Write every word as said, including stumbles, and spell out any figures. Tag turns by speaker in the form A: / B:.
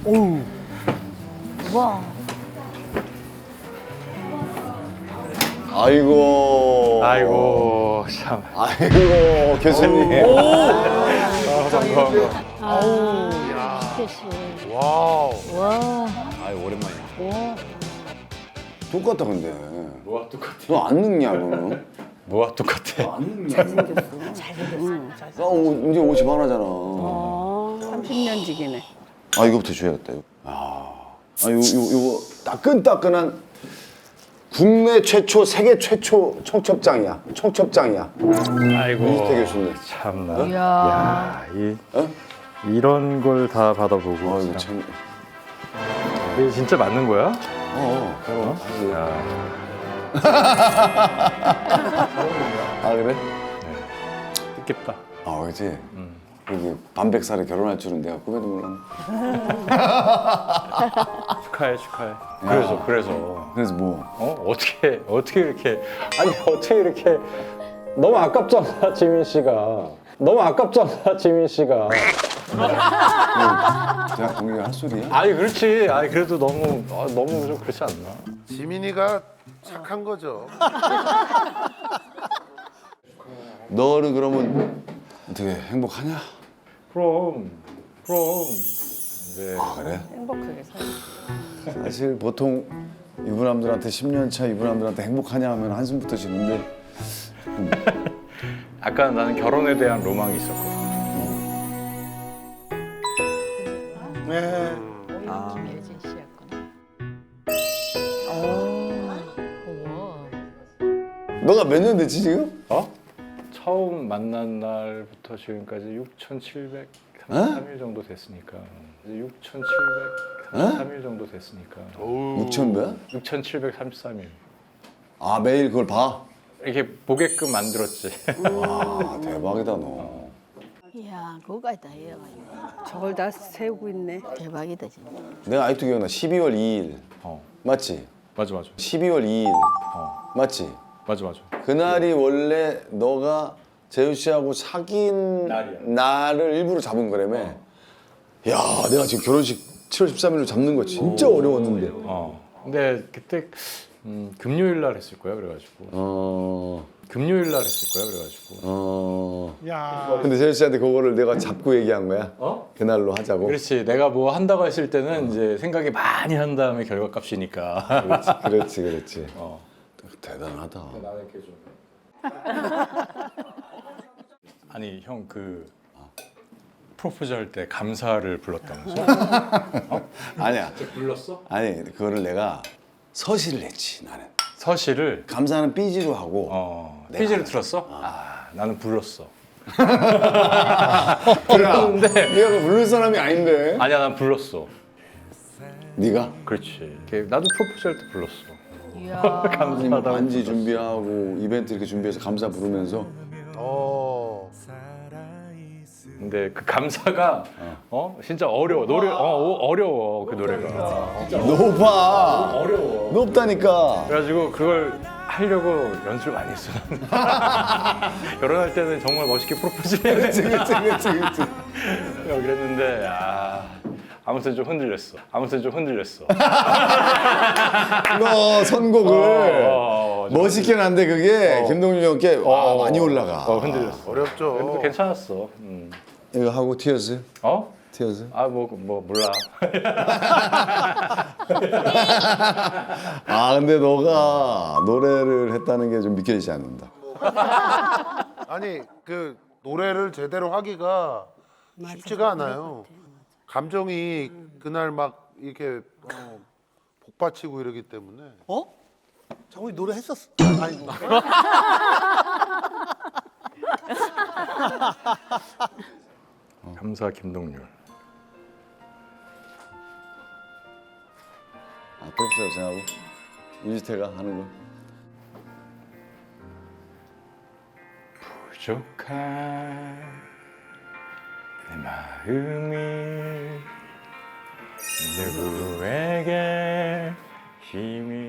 A: 오우.
B: 와.
C: 아이고.
D: 아이고 참.
C: 아이고 교수님.
D: 아, 반가워.
B: 아우. 스케치.
A: 와우.
B: 와.
C: 아이 오랜만이야.
B: 와.
C: 똑같다 근데.
D: 뭐가 똑같아?
C: 너 안 늙냐 너는?
D: 뭐가 똑같아?
C: 안 늙냐?
B: 잘생겼어. 잘생겼어.
C: 나 오- 이제 오십 하나잖아.
B: 어.
A: 삼십 년 지기네.
C: 아 이거부터 줘야겠다. 이거. 아, 아 요, 요, 요거 따끈따끈한 국내 최초, 세계 최초 청첩장이야. 청첩장이야.
D: 아이고.
C: 이태 교수님.
D: 참나.
B: 이야.
D: 야, 이
C: 어?
D: 이런 걸 다 받아보고.
C: 아 이거
D: 참.
C: 참.
D: 이게 진짜 맞는 거야?
C: 어, 그럼. 아이고.
D: 야,
C: 아 그래?
D: 뜻깊다.
C: 아 그렇지.
D: 음.
C: 여기 반백살에 결혼할 줄은 내가 꿈에도 몰랐네.
D: 축하해, 축하해. 그래서 그래서
C: 그래서 뭐?
D: 어 어떻게 어떻게 이렇게 아니 어떻게 이렇게 너무 아깝잖아 지민 씨가 너무 아깝잖아 지민 씨가.
C: 대학 공개가 할 소리야?
D: 아니 그렇지. 아니 그래도 너무 아, 너무 좀 그렇지 않나?
A: 지민이가 착한 거죠.
C: 너는 그러면 어떻게 행복하냐?
D: 그럼 그럼. 네.
C: 아 그래?
A: 행복하게 살고.
C: 사실 보통 유부남들한테 십 년 차 유부남들한테 행복하냐 하면 한숨부터 쉬는데
D: 아까 나는 결혼에 대한 로망이 있었거든.
A: 네.
B: 아. 김혜진 씨였구나. 오. 우와.
C: 너가 몇 년 됐지 지금?
D: 어? 처음 만난 날부터 지금까지 육천칠백삼십삼 일 정도 됐으니까. 육천칠백삼십삼 일 정도 됐으니까.
C: 육천 몇?
D: 육천칠백삼십삼 일.
C: 아 매일 그걸 봐?
D: 이렇게 보게끔 만들었지.
C: 아 대박이다 너.
B: 이야, 그거까지 다 해가지고.
A: 저걸 다 세우고 있네.
B: 대박이다, 진짜.
C: 내가 아직도 기억나. 십이월 이일
D: 어,
C: 맞지?
D: 맞아 맞아.
C: 십이월 이일
D: 어,
C: 맞지?
D: 맞아 맞아.
C: 그날이 원래 너가 재우 씨하고 사귄
D: 날이야.
C: 날을 일부러 잡은 거라며. 야 내가 지금 결혼식 칠월 십삼일로 잡는 거 진짜 어려웠는데.
D: 어. 근데 그때 음, 금요일 날 했을 거야 그래가지고.
C: 어...
D: 금요일 날 했을 거야 그래가지고.
C: 어...
A: 야.
C: 근데 재우 씨한테 그거를 내가 잡고 얘기한 거야?
D: 어?
C: 그날로 하자고?
D: 그렇지. 내가 뭐 한다고 했을 때는 이제 생각이 많이 한 다음에 결과값이니까.
C: 그렇지 그렇지 그렇지.
D: 어.
C: 대단하다.
D: 나는 이렇게 좀. 아니 형 그 프로포즈 할 때 감사를 불렀다면서?
C: 아니야.
D: 불렀어?
C: 아니 그거를 내가 서시를 했지 나는.
D: 서시를.
C: 감사는 삐지로 하고.
D: 어.
C: 내가
D: 삐지를
C: 알았어.
D: 틀었어? 아 나는 불렀어.
C: 불렀는데 네가 그 부를 사람이 아닌데.
D: 아니야 난 불렀어.
C: 네가?
D: 그렇지. 이렇게 나도 프로포즈 할 때 불렀어.
B: 이야.
D: 감사하다고.
C: 반지 준비하고 이벤트 이렇게 준비해서 감사 부르면서
A: 어.
D: 근데 그 감사가 어 진짜 어려워. 노래 어 어, 어려워 그 노래가.
C: 높아.
D: 어려워.
C: 높다니까.
D: 그래가지고 그걸 하려고 연습을 많이 했어. 결혼할 때는 정말 멋있게 프로포즈 해야
C: 그렇지
D: 돼.
C: 그렇지 그렇지 그렇지.
D: 그랬는데 아 아무튼 좀 흔들렸어. 아무튼 좀 흔들렸어.
C: 너 선곡을
D: 어, 어, 좀
C: 멋있게 난데 그게 김동률 형께 와,
D: 어,
C: 많이 올라가.
D: 어 흔들렸어.
A: 어렵죠.
D: 그래도 괜찮았어. 음.
C: 이거 하고 티어스?
D: 어?
C: 티어스?
D: 아 뭐 뭐 몰라.
C: 아 근데 너가 노래를 했다는 게 좀 믿겨지지 않는다.
A: 아니 그 노래를 제대로 하기가 쉽지가 않아요. 감정이 그날 막 이렇게 어, 복받치고 이러기 때문에. 어? 장훈이 노래 했었어. 아니.
D: 감사 김동률.
C: 아 프로포즈라고 생각하고 유지태가 하는 거.
D: 부족한 내 마음이 누구에게 힘이